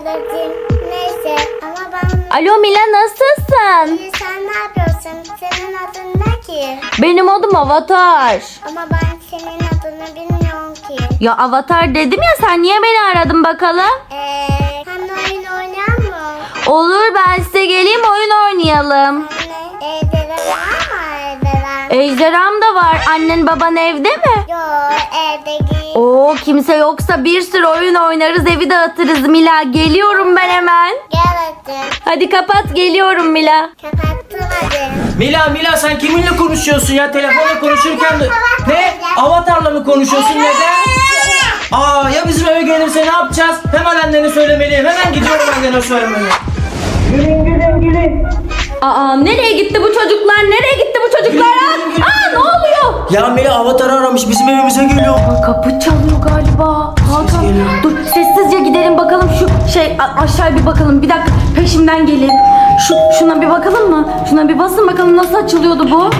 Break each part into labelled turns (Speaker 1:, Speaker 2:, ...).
Speaker 1: ablacığım. Neyse ama ben...
Speaker 2: Alo Mila, nasılsın?
Speaker 1: İyi, sen ne yapıyorsun? Senin adın ne ki?
Speaker 2: Benim adım Avatar.
Speaker 1: Ama ben senin adını bilmiyorum ki.
Speaker 2: Ya Avatar dedim ya, sen niye beni aradın bakalım?
Speaker 1: Sen oyun oynayan mı?
Speaker 2: Olur, ben size geleyim, oyun oynayalım.
Speaker 1: Anne, dedem var mı evde?
Speaker 2: Ejderham da var. Annen baban evde mi?
Speaker 1: Yok, evde değil.
Speaker 2: Oo, kimse yoksa bir sürü oyun oynarız, evi dağıtırız Mila. Geliyorum ben hemen.
Speaker 1: Gel hadi.
Speaker 2: Hadi kapat, geliyorum Mila.
Speaker 1: Kapattım hadi.
Speaker 3: Mila sen kiminle konuşuyorsun ya? Telefonla konuşurken de... Ne? Avatarla mı konuşuyorsun? Neden? Aa, ya bizim eve gelirse ne yapacağız? Hemen annene söylemeliyim. Hemen gidiyorum annene söylemeye. Gülün.
Speaker 2: Aa, nereye gitti bu çocuklar? Nereye gitti bu çocuklar? Aa, ne oluyor?
Speaker 3: Ya Mila Avatar aramış, bizim evimize geliyor.
Speaker 2: Aa, kapı çalıyor galiba. Hakan,
Speaker 3: geliyor.
Speaker 2: dur sessizce gidelim bakalım şu aşağı bir bakalım. Bir dakika, peşimden gelin. Şuna bir bakalım mı? Şuna bir basın bakalım, nasıl açılıyordu bu?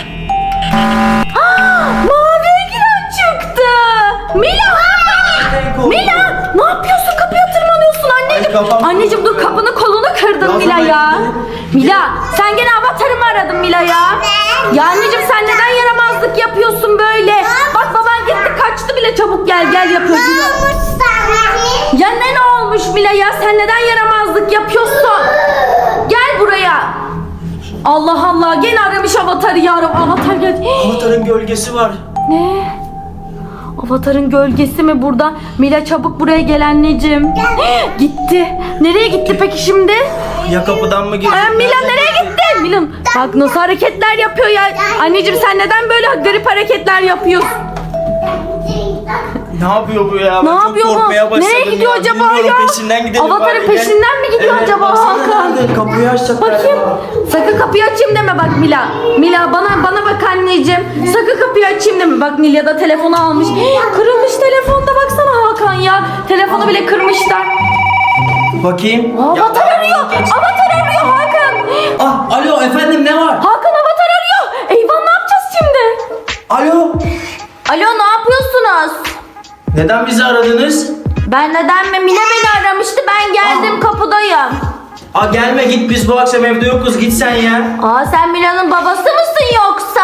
Speaker 2: Mavi giren çıktı. Mila! Mila! Ne yapıyorsun? Kapıya tırmanıyorsun anneciğim.
Speaker 3: Ay, kafam-
Speaker 2: Anneciğim dur, kapını kolunu kırdın
Speaker 3: Ya
Speaker 2: Mila
Speaker 3: ben-
Speaker 2: ya. Mila, sen gene Avatar'ı mı aradın Mila ya? Ya anneciğim, sen neden yaramazlık yapıyorsun böyle? Bak baban gitti, kaçtı bile, çabuk gel yapıyor. Ya ne olmuş Mila ya? Sen neden yaramazlık yapıyorsun? Gel buraya. Allah Allah, gene aramış Avatar'ı ya. Avatar gel.
Speaker 3: Avatar'ın gölgesi var.
Speaker 2: Ne? Avatar'ın gölgesi mi burada? Mila çabuk buraya gel anneciğim. Gitti. Nereye gitti peki şimdi?
Speaker 3: Ya kapıdan mı girdi?
Speaker 2: Mila nereye gitti? Mila bak nasıl hareketler yapıyor ya. Anneciğim sen neden böyle garip hareketler yapıyorsun?
Speaker 3: Ne yapıyor bu ya?
Speaker 2: Ne
Speaker 3: Ben çok
Speaker 2: yapıyor bu?
Speaker 3: korkmaya başladım
Speaker 2: Nereye gidiyor
Speaker 3: ya.
Speaker 2: acaba
Speaker 3: Bilmiyorum,
Speaker 2: ya?
Speaker 3: peşinden gidelim.
Speaker 2: Avatar'ın
Speaker 3: bari, gel.
Speaker 2: peşinden mi gidiyor acaba
Speaker 3: baksana
Speaker 2: Hakan?
Speaker 3: nerede? Kapıyı açacak
Speaker 2: Bakayım.
Speaker 3: galiba.
Speaker 2: Sakın kapıyı açayım deme bak Mila. Mila bana bak anneciğim. Sakın kapıyı açayım deme. Bak Nilya da telefonu almış. Kırılmış telefonda, baksana Hakan ya. Telefonu bile kırmışlar.
Speaker 3: Bakayım.
Speaker 2: Avatar arıyor. Avatar arıyor Hakan.
Speaker 3: Ah, alo efendim, ne var?
Speaker 2: Hakan Avatar arıyor. Eyvah, ne yapacağız şimdi?
Speaker 3: Alo.
Speaker 2: Alo, ne yapıyorsunuz?
Speaker 3: Neden bizi aradınız?
Speaker 2: Ben neden mi? Mine beni aramıştı. Ben geldim, kapıdayım.
Speaker 3: Aa, gelme, git, biz bu akşam evde yokuz, git sen ya.
Speaker 2: Aa, sen Mila'nın babası mısın yoksa?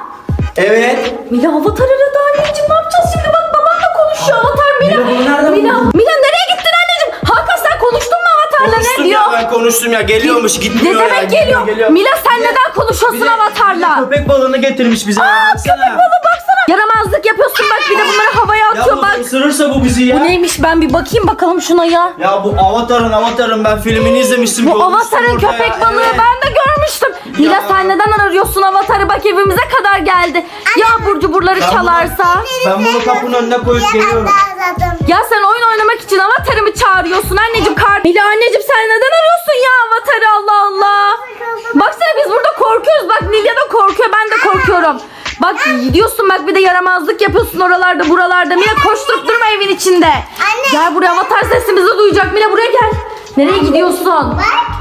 Speaker 3: Evet.
Speaker 2: Mila Avatar aradı anneciğim, ne yapacağız şimdi? Bak babanla konuşuyor Avatar.
Speaker 3: Mila, bunu nereden buldun?
Speaker 2: Mila nereye gittin anneciğim? Hakan sen konuştun mu Avatar'la,
Speaker 3: Konuştum
Speaker 2: ne diyor?
Speaker 3: ya, ben konuştum ya, geliyormuş,
Speaker 2: Ne
Speaker 3: gitmiyor ya.
Speaker 2: demek geliyor? Mila sen neden konuşuyorsun Avatar'la?
Speaker 3: Köpek balığını getirmiş bize.
Speaker 2: Köpek balığı baksana. Yaramazlık yapıyorsun bak, bir de bunları havaya
Speaker 3: Ya
Speaker 2: atıyor
Speaker 3: bu
Speaker 2: bak.
Speaker 3: ısırırsa bu bizi ya.
Speaker 2: Bu neymiş, ben bir bakayım bakalım şuna ya.
Speaker 3: Ya bu Avatar'ın ben filmini izlemiştim.
Speaker 2: Bu
Speaker 3: görmüştüm
Speaker 2: Avatar'ın
Speaker 3: orada
Speaker 2: köpek
Speaker 3: ya,
Speaker 2: balığı
Speaker 3: evet.
Speaker 2: ben de görmüştüm. Mila
Speaker 3: Ya.
Speaker 2: sen neden arıyorsun Avatar'ı, bak evimize kadar geldi. Ya abur cuburları
Speaker 3: Ben bunu-
Speaker 2: çalarsa?
Speaker 3: Ben bunu kapının önüne koyup geliyorum.
Speaker 2: Ya sen oyun oynamak için Avatar'ı mı çağırıyorsun anneciğim? Mila anneciğim sen neden arıyorsun ya Avatar'ı, Allah Allah. Baksana biz burada korkuyoruz, bak Nilya da korkuyor, ben de korkuyorum. Bak gidiyorsun, bak bir de yaramazlık yapıyorsun oralarda buralarda. Mila koşturup durma evin içinde. Gel buraya, Avatar sesimizi duyacak. Mila buraya gel. Nereye gidiyorsun?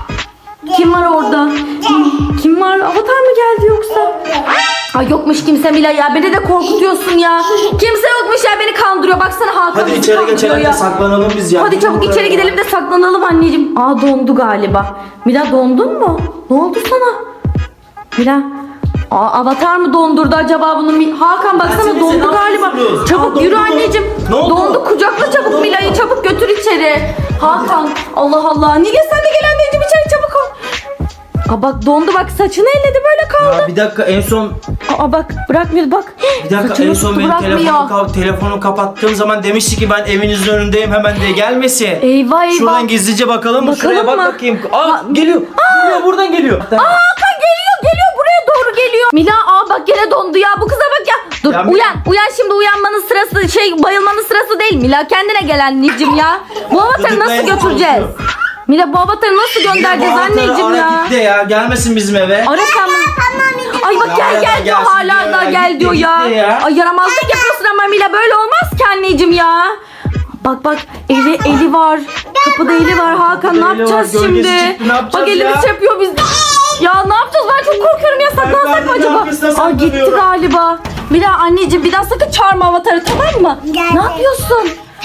Speaker 2: Kim var orada? Kim var? Avatar mı geldi yoksa? Ay yokmuş kimse Mila ya. Beni de korkutuyorsun ya. Kimse yokmuş ya, beni kandırıyor. Baksana Hakan
Speaker 3: Hadi
Speaker 2: bizi
Speaker 3: içeri
Speaker 2: kandırıyor
Speaker 3: geçelim
Speaker 2: ya.
Speaker 3: de saklanalım biz ya.
Speaker 2: Hadi çabuk içeri gidelim de saklanalım anneciğim. Aa, dondu galiba. Mila dondun mu? Ne oldu sana? Mila. Avatar mı dondurdu acaba bunu? Hakan baksana
Speaker 3: Seni
Speaker 2: dondu
Speaker 3: ne
Speaker 2: galiba.
Speaker 3: yapıyorsunuz?
Speaker 2: Çabuk
Speaker 3: Aa,
Speaker 2: yürü
Speaker 3: dondu mu?
Speaker 2: anneciğim.
Speaker 3: Ne oldu?
Speaker 2: Dondu, kucakla çabuk Mila'yı, çabuk götür içeri. Hakan, Allah Allah. Nilya sen de gel anneciğim, içeri çabuk ol. Aa bak dondu, bak saçını elledi, böyle kaldı.
Speaker 3: Ya bir dakika, en son
Speaker 2: Aa bak bırakmıyor bak.
Speaker 3: bir dakika
Speaker 2: Saçını
Speaker 3: en son
Speaker 2: tuttu,
Speaker 3: benim
Speaker 2: bırakmıyor.
Speaker 3: telefonu kapattığım zaman demişti ki ben evinizin önündeyim hemen diye, gelmesin.
Speaker 2: Eyvah eyvah.
Speaker 3: Şuradan gizlice bakalım mı?
Speaker 2: Bakalım
Speaker 3: Şuraya bak
Speaker 2: mı?
Speaker 3: bakayım. Aa, geliyor. Geliyor, buradan geliyor.
Speaker 2: Hakan geliyor buraya doğru geliyor. Mila bak gene dondu ya, bu kıza bak ya. Dur
Speaker 3: Ya
Speaker 2: uyan şimdi, uyanmanın sırası bayılmanın sırası değil Mila, kendine gel anneciğim ya. Bu avatarı nasıl
Speaker 3: Gıdıklayın,
Speaker 2: götüreceğiz?
Speaker 3: konuşuyor.
Speaker 2: Mila bu avatarı nasıl göndereceğiz
Speaker 3: Bu
Speaker 2: anneciğim
Speaker 3: ara
Speaker 2: ya?
Speaker 3: git de ya, gelmesin bizim eve.
Speaker 2: Arasam mı? Ay bak
Speaker 3: Ya
Speaker 2: gel diyor,
Speaker 3: gelsin
Speaker 2: hala
Speaker 3: diyor
Speaker 2: da
Speaker 3: ya,
Speaker 2: gel
Speaker 3: gitti,
Speaker 2: diyor ya.
Speaker 3: gitti ya.
Speaker 2: Ay yaramazlık yapıyorsun ama Mila, böyle olmaz ki anneciğim ya. Bak eli var. Kapıda eli var Hakan,
Speaker 3: Kapıda
Speaker 2: ne
Speaker 3: eli var,
Speaker 2: yapacağız
Speaker 3: gölgesi
Speaker 2: şimdi?
Speaker 3: çıktı, ne yapacağız
Speaker 2: Bak elimiz
Speaker 3: ya?
Speaker 2: yapıyor biz. Ya ne yapacağız, ben çok korkuyorum ya, saklansak mı
Speaker 3: perdenin
Speaker 2: acaba?
Speaker 3: arkasına
Speaker 2: Aa gitti
Speaker 3: saklanıyorum.
Speaker 2: galiba. Mila anneciğim bir daha sakın çağırma avatarı, tamam mı?
Speaker 1: Geldi.
Speaker 2: Ne yapıyorsun?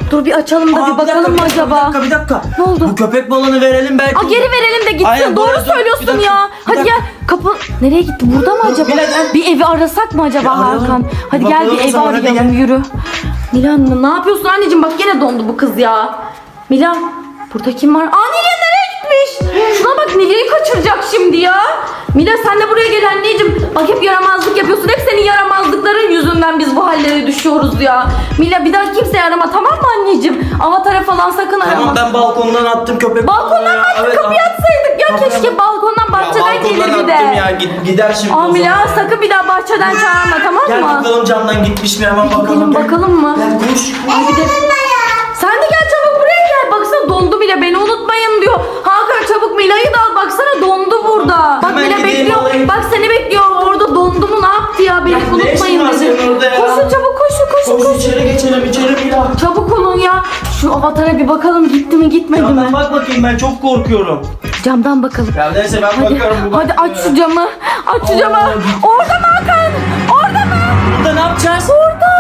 Speaker 2: Dur bir açalım da bir bakalım mı acaba?
Speaker 3: Bir dakika.
Speaker 2: Ne oldu?
Speaker 3: Bu köpek balığını verelim belki.
Speaker 2: Geri verelim de gitsin.
Speaker 3: Aynen,
Speaker 2: Doğru
Speaker 3: buraya dur.
Speaker 2: söylüyorsun
Speaker 3: Bir dakika,
Speaker 2: ya.
Speaker 3: bir
Speaker 2: Hadi
Speaker 3: dakika.
Speaker 2: gel. Kapı nereye gitti? Burada mı acaba?
Speaker 3: Mila, gel.
Speaker 2: Bir evi arasak mı acaba
Speaker 3: Bir arayalım.
Speaker 2: Hakan? Hadi
Speaker 3: Bir
Speaker 2: gel
Speaker 3: bakalım
Speaker 2: bir
Speaker 3: o
Speaker 2: evi
Speaker 3: zaman, hadi
Speaker 2: arayalım.
Speaker 3: gel.
Speaker 2: Yürü. Mila ne yapıyorsun anneciğim? Bak yine dondu bu kız ya. Mila burada kim var? Aa Nilay nereye gitmiş? Şuna bak Nilay'ı kaçıracak şimdi ya. Mila sen de buraya gel anneciğim. Bak hep yaramazlık yapıyorsun. Hep senin yaramazlıkların yüzünden biz bu hallere düşüyoruz ya. Mila bir daha kimseyi arama tamam mı anneciğim? Avatara falan sakın arama.
Speaker 3: Tamam ben balkondan attım köpek
Speaker 2: Balkondan
Speaker 3: balığını
Speaker 2: mı
Speaker 3: ya.
Speaker 2: attık?
Speaker 3: Evet,
Speaker 2: Kapıyı atsaydık ya
Speaker 3: Kapıyı-
Speaker 2: keşke balkondan bahçeden
Speaker 3: balkondan
Speaker 2: gelir bir
Speaker 3: attım
Speaker 2: de.
Speaker 3: ya. Gider şimdi
Speaker 2: Aa
Speaker 3: o
Speaker 2: Mila
Speaker 3: zaman.
Speaker 2: sakın bir daha bahçeden çağırma tamam
Speaker 3: Gel
Speaker 2: mı?
Speaker 3: bakalım camdan gitmiş mi hemen bakalım.
Speaker 2: Gidelim bakalım mı?
Speaker 3: Gel koş.
Speaker 2: Ay bir de... Sen de gel çabuk buraya gel. Baksana dondu bile beni unutmayın diyor. Hakan çabuk Mila'yı da al. Baksana dondu burada. Bak
Speaker 3: Hemen
Speaker 2: Mila
Speaker 3: gideyim,
Speaker 2: bekliyor.
Speaker 3: alayım.
Speaker 2: Bak seni bekliyor. Orada dondu mu ne yaptı ya? Beni
Speaker 3: Ya, ne
Speaker 2: unutmayın
Speaker 3: işin var
Speaker 2: dedi.
Speaker 3: senin orada ya?
Speaker 2: Koşun çabuk koşun.
Speaker 3: Koş içeri geçelim içeri Mila.
Speaker 2: Çabuk olun ya. Şu avatara bir bakalım gitti mi gitmedi mi?
Speaker 3: Camdan bak bakayım ben çok korkuyorum.
Speaker 2: Camdan bakalım.
Speaker 3: Ya neyse ben
Speaker 2: Hadi,
Speaker 3: bakarım. bu
Speaker 2: hadi
Speaker 3: bakmıyor.
Speaker 2: aç şu camı. Aç şu camı. Orada mı Hakan? Orada mı?
Speaker 3: Burada ne yapacağız?
Speaker 2: Orada.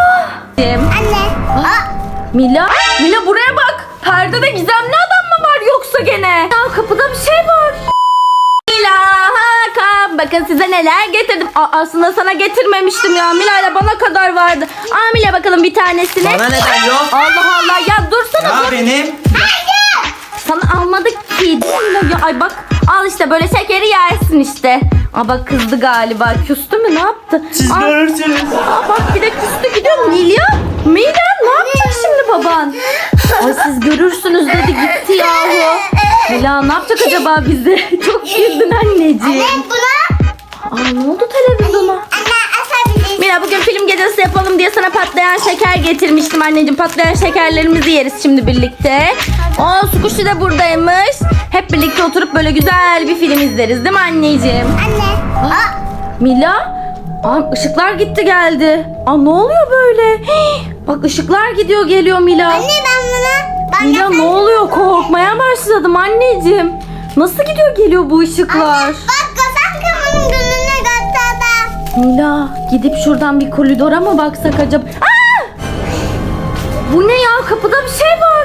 Speaker 1: Anne.
Speaker 2: Mila buraya bak. Perdede gizemli adam mı var yoksa gene? Ya kapıda bir şey var. Mila, Hakan bakın size neler getirdim. Aslında sana getirmemiştim ya. Mila ile bana kadar vardı. Mila bakalım bir tanesini.
Speaker 3: Bana neden yok?
Speaker 2: Allah Allah ya dursana
Speaker 3: Ya
Speaker 2: dur.
Speaker 3: benim.
Speaker 2: Sana almadık ki. Ya, ay bak al işte böyle şekeri yersin işte. Bak kızdı galiba. Küstü mü ne yaptı?
Speaker 3: Siz
Speaker 2: Aa,
Speaker 3: görürsünüz.
Speaker 2: bak bir de küstü gidiyor. Mila ne yapacak şimdi baban? Ay siz görürsünüz dedi gitti yahu. Mila ne yapacak acaba bize? Çok güldün anneciğim.
Speaker 1: Buna.
Speaker 2: Ne oldu televizyona?
Speaker 1: Anne asabiliriz.
Speaker 2: Mila bugün film gecesi yapalım diye sana patlayan şeker getirmiştim anneciğim. Patlayan şekerlerimizi yeriz şimdi birlikte. Sukuşi de buradaymış. Hep birlikte oturup böyle güzel bir film izleriz değil mi anneciğim?
Speaker 1: Anne.
Speaker 2: Mila? Işıklar gitti geldi. Ne oluyor böyle? Bak ışıklar gidiyor geliyor Mila.
Speaker 1: Anne ben buna.
Speaker 2: Mila ne oluyor? Korkmaya başladım anneciğim. Nasıl gidiyor geliyor bu ışıklar?
Speaker 1: Bak sen kımının gününü gösterdim.
Speaker 2: Mila gidip şuradan bir koridora mı baksak acaba? Bu ne ya? Kapıda bir şey var.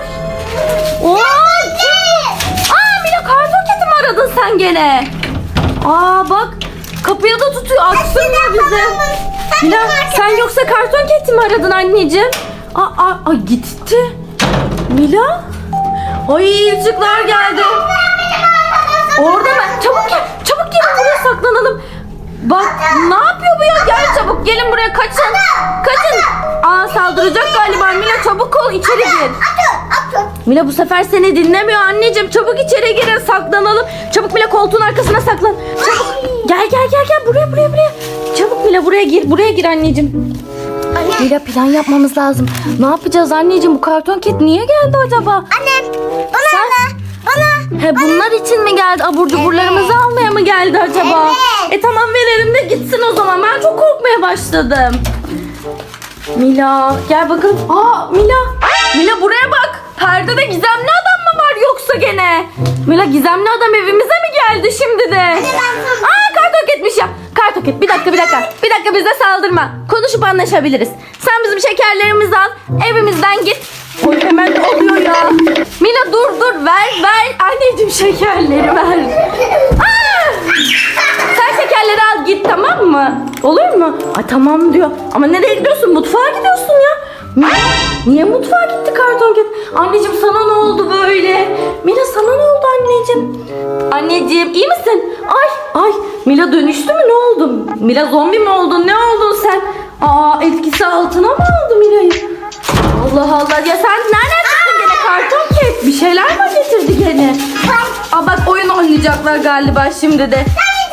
Speaker 2: Mila karton kedi mi aradın sen gene? Bak kapıya da tutuyor. Açsınlar bize. Mila sen yoksa karton kedi mi aradın anneciğim? Gitti. Mila? Ay ışıklar geldi. Orada mı? Çabuk gel. Çabuk gelin buraya saklanalım. Bak ne yapıyor bu ya? Gel çabuk gelin buraya kaçın. Kaçın. Saldıracak galiba Mila çabuk ol içeri gir. Mila bu sefer seni dinlemiyor anneciğim. Çabuk içeri girin saklanalım. Çabuk Mila koltuğun arkasına saklan. Çabuk. Gel buraya. Çabuk Mila buraya gir anneciğim. Mila plan yapmamız lazım. Ne yapacağız anneciğim bu karton ket niye geldi acaba?
Speaker 1: Annem. Bana.
Speaker 2: Bunlar için mi geldi? Abur cuburlarımızı almaya mı geldi acaba?
Speaker 1: Evet.
Speaker 2: Tamam verelim de gitsin o zaman. Ben çok korkmaya başladım. Mila gel bakalım. Mila buraya bak. Perdede gizemli adam mı var yoksa gene? Mila gizemli adam evimize mi geldi şimdi de? Kartoket ya. Kartoket bir dakika. Bir dakika bize saldırma. Konuşup anlaşabiliriz. Sen bizim şekerlerimizi al. Evimizden git. Oy hemen oluyor ya. Mila dur ver. Anneciğim şekerleri ver. Sen şekerleri al git tamam mı? Olur mu? Tamam diyor. Ama nereye gidiyorsun? Mutfağa gidiyorsun ya. Mila niye mutfağa gitti karton ket? Anneciğim sana ne oldu böyle? Mila sana ne oldu anneciğim? Anneciğim iyi misin? Ay Mila dönüştü mü ne oldu? Mila zombi mi oldun? Ne oldun sen? Etkisi altına mı aldı Mila'yı? Allah ya sen nereden çıktın gene karton ket? Bir şeyler mi getirdi gene? Bak oyun oynayacaklar galiba şimdi de.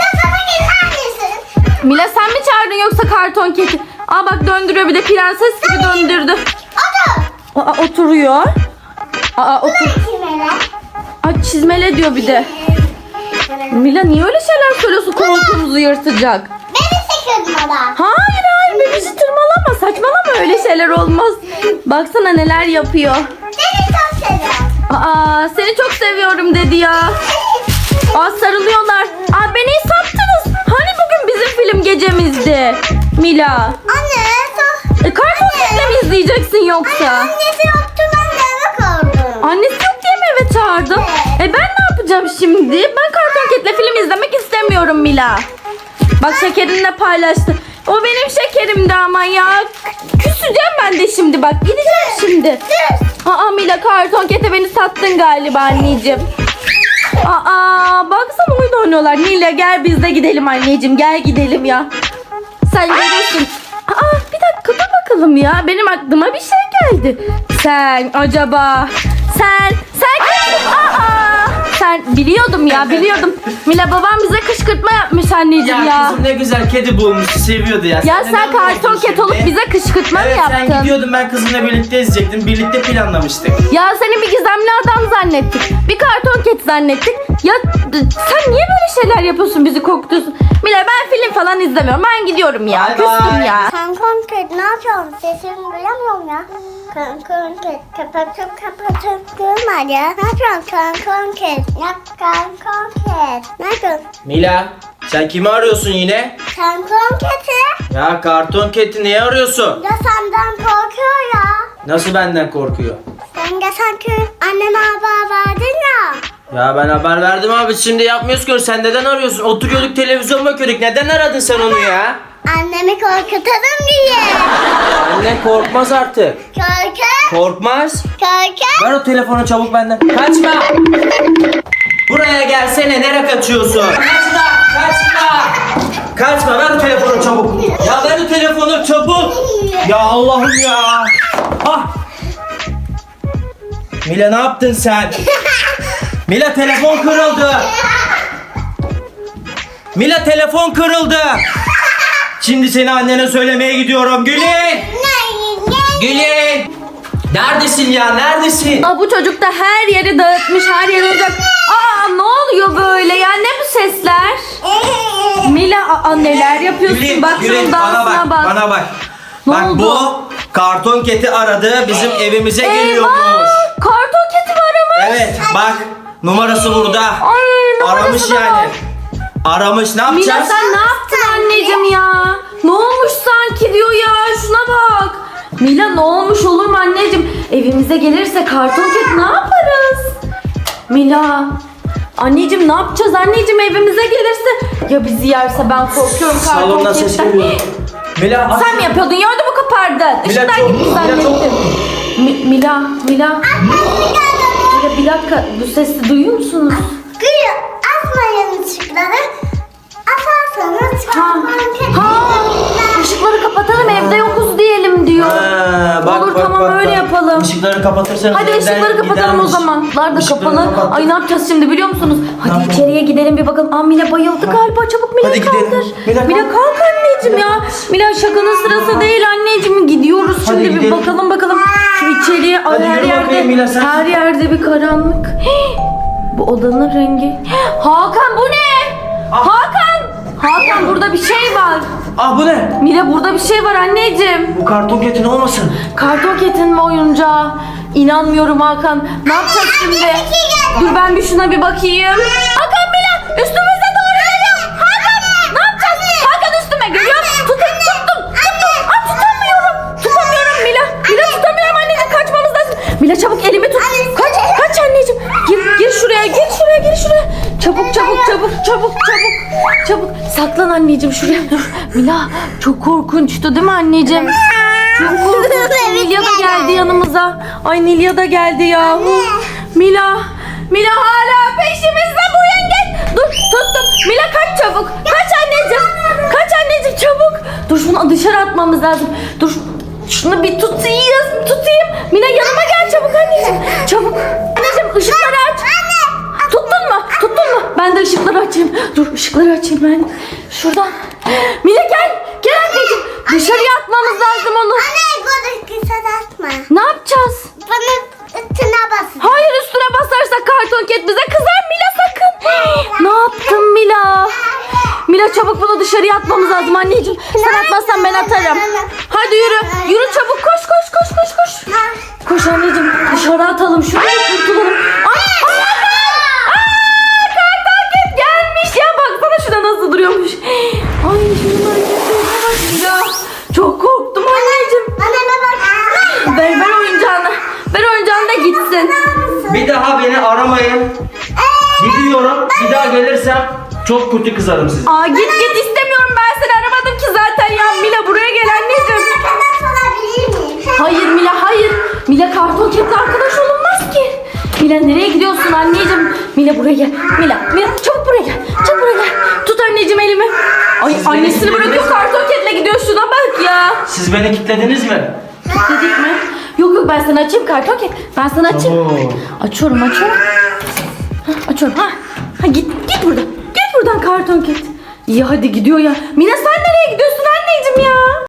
Speaker 2: Mila sen mi çağırdın yoksa karton keti? Bak döndürüyor bir de prenses gibi döndürdü. Oturuyor. Otur. Çizmele diyor bir de. Mila niye öyle şeyler söylüyorsun koltuğumuzu yırtacak?
Speaker 1: Beni sıkıyordun bana.
Speaker 2: Hayır bebici tırmalama saçmalama öyle şeyler olmaz. Baksana neler yapıyor.
Speaker 1: Seni çok seviyorum.
Speaker 2: Seni çok seviyorum dedi ya. Sarılıyorlar. Beni sattınız. Hani bugün bizim film gecemizdi. Mila.
Speaker 1: Anne.
Speaker 2: Karton ketle mi izleyeceksin yoksa?
Speaker 1: Annesi yoktu ben de.
Speaker 2: Mila. Bak şekerini de paylaştı. O benim şekerimdi ama ya. Küseceğim ben de şimdi bak. Gideceğim şimdi. Aa Mila, karton kete beni sattın galiba anneciğim. Aa baksana oyun oynuyorlar. Mila gel biz de gidelim anneciğim. Gel gidelim ya. Sen görürsün. Aa bir dakika dur bakalım ya. Benim aklıma bir şey geldi. Sen acaba sen kimsin? Sen biliyordum ya, biliyordum. Mila babam bize kışkırtma yapmış anneciğim ya.
Speaker 3: Kızım ne güzel kedi bulmuştu, seviyordu ya.
Speaker 2: Ya
Speaker 3: de
Speaker 2: sen
Speaker 3: ne
Speaker 2: karton
Speaker 3: yapıyorsun
Speaker 2: ket olup
Speaker 3: şimdi?
Speaker 2: bize kışkırtma mı
Speaker 3: Evet
Speaker 2: yaptın?
Speaker 3: sen gidiyordun, ben kızımla birlikte izleyecektim. Birlikte planlamıştık.
Speaker 2: Ya seni bir gizemli adam zannettik. Bir karton ket zannettik. Ya sen niye böyle şeyler yapıyorsun, bizi korkutuyorsun? Mila ben film falan izlemiyorum. Ben gidiyorum ya.
Speaker 3: Bye
Speaker 2: Küstüm
Speaker 3: bye.
Speaker 2: ya.
Speaker 1: Kankan kedi ne yapıyorsun? Sesini duyamıyorum ya. Kankan kedi kapatıp durma ya. Ne yapıyorsun kankan kedi? Yap kankan kedi. Ne yapıyorsun?
Speaker 3: Mila sen kimi arıyorsun yine?
Speaker 1: Kankan kedi.
Speaker 3: Ya karton keti niye arıyorsun?
Speaker 1: Ya senden korkuyor ya.
Speaker 3: Nasıl benden korkuyor?
Speaker 1: Sen de sanki anneme haber verdin ya.
Speaker 3: Ya ben haber verdim abi, şimdi yapmıyoruz ki. Sen neden arıyorsun? Oturuyorduk televizyon bakıyorduk. Neden aradın sen onu ya?
Speaker 1: Annemi korkutalım diye.
Speaker 3: Anne korkmaz artık.
Speaker 1: Korku.
Speaker 3: Korkmaz.
Speaker 1: Korku.
Speaker 3: Ver o telefonu çabuk benden. Kaçma. Buraya gelsene, nereye kaçıyorsun? Kaçma. Kaçma. Kaçma, ver o telefonu çabuk. Ya ver o telefonu çabuk. Ya Allah'ım ya. Ah. Mila ne yaptın sen? Mila telefon kırıldı. Mila telefon kırıldı. Şimdi seni annene söylemeye gidiyorum. Gülün. Gülün. Neredesin ya? Neredesin?
Speaker 2: Aa, bu çocuk da her yeri dağıtmış, her yeri olacak. Aa ne oluyor böyle ya? Ne bu sesler? Mila neler yapıyorsun?
Speaker 3: Gülün,
Speaker 2: Bak
Speaker 3: Gülün,
Speaker 2: şunun
Speaker 3: bana
Speaker 2: dansına
Speaker 3: bak,
Speaker 2: bak.
Speaker 3: bana bak.
Speaker 2: Ne
Speaker 3: Bak
Speaker 2: oldu?
Speaker 3: bu karton keti aradı, bizim evimize geliyormuş.
Speaker 2: Eyvah! Karton keti mi aramış?
Speaker 3: Evet, bak numarası burada.
Speaker 2: Ay numarası
Speaker 3: Aramış
Speaker 2: da
Speaker 3: yani.
Speaker 2: var.
Speaker 3: Aramış, ne
Speaker 2: Mila
Speaker 3: yapacağız?
Speaker 2: sen ne yaptın anneciğim ya? Ne olmuş sanki diyor ya, şuna bak. Mila ne olmuş olur mu anneciğim? Evimize gelirse karton ket ne yaparız? Mila. Anneciğim ne yapacağız anneciğim, evimize gelirse? Ya bizi yerse, ben korkuyorum karton
Speaker 3: Salondan ses
Speaker 2: ketten.
Speaker 3: geliyor. Mila
Speaker 2: Sen mi yapıyordun ya, ödümü kopardın.
Speaker 3: Mila
Speaker 2: Işıklar
Speaker 3: çok-
Speaker 2: gitti
Speaker 3: Mila çok-
Speaker 2: zannettim. Mila. Mila bir dakika, bu sesi duyuyor musunuz?
Speaker 1: Gülü asmayın ışıkları. Asarsanız
Speaker 2: Işıkları kapatalım, evde yokuz diyelim diyor. Olur, tamam, öyle yapalım.
Speaker 3: Işıkları kapatırsanız
Speaker 2: Hadi
Speaker 3: evden
Speaker 2: ışıkları kapatalım o
Speaker 3: gidermiş.
Speaker 2: zaman. Işıklar da
Speaker 3: Işıkları
Speaker 2: kapalı.
Speaker 3: kapat.
Speaker 2: Ay ne yapacağız şimdi biliyor musunuz? Hadi
Speaker 3: yapalım?
Speaker 2: içeriye gidelim bir bakalım. Aa Mila bayıldı galiba. Çabuk Mila
Speaker 3: Hadi
Speaker 2: kaldır.
Speaker 3: gidelim. Mila,
Speaker 2: Mila
Speaker 3: kalk.
Speaker 2: kalk anneciğim ya. Mila şakanın sırası değil anneciğim. Gidiyoruz
Speaker 3: Hadi
Speaker 2: şimdi, bir
Speaker 3: gidelim.
Speaker 2: bakalım. Şu içeriye, ay,
Speaker 3: Hadi
Speaker 2: her
Speaker 3: yürü
Speaker 2: yerde
Speaker 3: bakayım Mila, sen.
Speaker 2: her yerde bir karanlık. Bu odanın rengi. Hakan bu ne? Hakan burada bir şey var.
Speaker 3: Ah bu ne?
Speaker 2: Mila burada bir şey var anneciğim.
Speaker 3: Bu karton ketin olmasın?
Speaker 2: Karton ketin mi oyuncağı? İnanmıyorum Hakan. Ne yapacağız şimdi? Dur ben bir şuna bir bakayım. Hakan Mila üstümüze doğru geliyor. Hakan ne yapacağız? Hakan üstüme geliyor. Tuttum. Aa, tutamıyorum Mila. Mila tutamıyorum anneciğim, kaçmamız lazım. Mila çabuk elimi tut. Kaç anneciğim. Gir şuraya. Çabuk. Saklan anneciğim şuraya. Mila çok korkunçtu değil mi anneciğim? Çok korkunç. Nilya da geldi yanımıza. Ay Nilya da geldi ya. Mila hala peşimizde bu yengeç. Dur tuttum. Mila kaç çabuk. Kaç anneciğim çabuk. Dur şunu dışarı atmamız lazım. Dur şunu bir tutayım. Mila yanıma gel çabuk anneciğim. Çabuk. Anneciğim ışıkları aç. Tuttun mu? Ben de ışıkları açayım. Dur ışıkları açayım ben. Şuradan. Mila gel anneciğim. Dışarıya atmamız lazım onu.
Speaker 1: Anne bunu kısa atma.
Speaker 2: Ne yapacağız?
Speaker 1: Bana üstüne basın.
Speaker 2: Hayır, üstüne basarsak karton ket bize kızar Mila, sakın. Ne yaptın Mila? Mila çabuk bunu dışarıya atmamız lazım anneciğim. Sen atmazsan ben atarım. Hadi yürü çabuk, koş. Koş anneciğim, dışarı atalım şunu, kurtulalım. Karton ket gelmiş ya, baksana şuna nasıl duruyormuş. Ay şunun hareketlerine bak Mila. Çok korktum anneciğim.
Speaker 1: Anneme bak.
Speaker 2: Ver oyuncağını. Ver oyuncağını da gitsin.
Speaker 3: Bir daha beni aramayın. Gidiyorum. Bir daha gelirsem Çok kötü kızarım size.
Speaker 2: Aa git istemiyorum, ben seni aramadım ki zaten ya. Mila buraya gel anneciğim.
Speaker 1: Arkadaş olabilir miyim?
Speaker 2: Hayır Mila, hayır. Mila karton ketle arkadaş olunmaz ki. Mila nereye gidiyorsun anneciğim? Mila buraya gel. Mila çabuk buraya gel. Çabuk buraya gel. Tut anneciğim elimi. Ay
Speaker 3: Siz
Speaker 2: annesini
Speaker 3: beni
Speaker 2: bırakıyor,
Speaker 3: kilitlediniz mi?
Speaker 2: karton ketle gidiyor, şuna bak ya.
Speaker 3: Siz beni kilitlediniz mi?
Speaker 2: Dedik mi? Yok ben sana açayım karton ket. Ben sana açayım.
Speaker 3: Tamam.
Speaker 2: Açıyorum. Açıyorum. Git buradan. Git buradan karton ket. İyi hadi gidiyor ya. Mina sen nereye gidiyorsun anneciğim ya?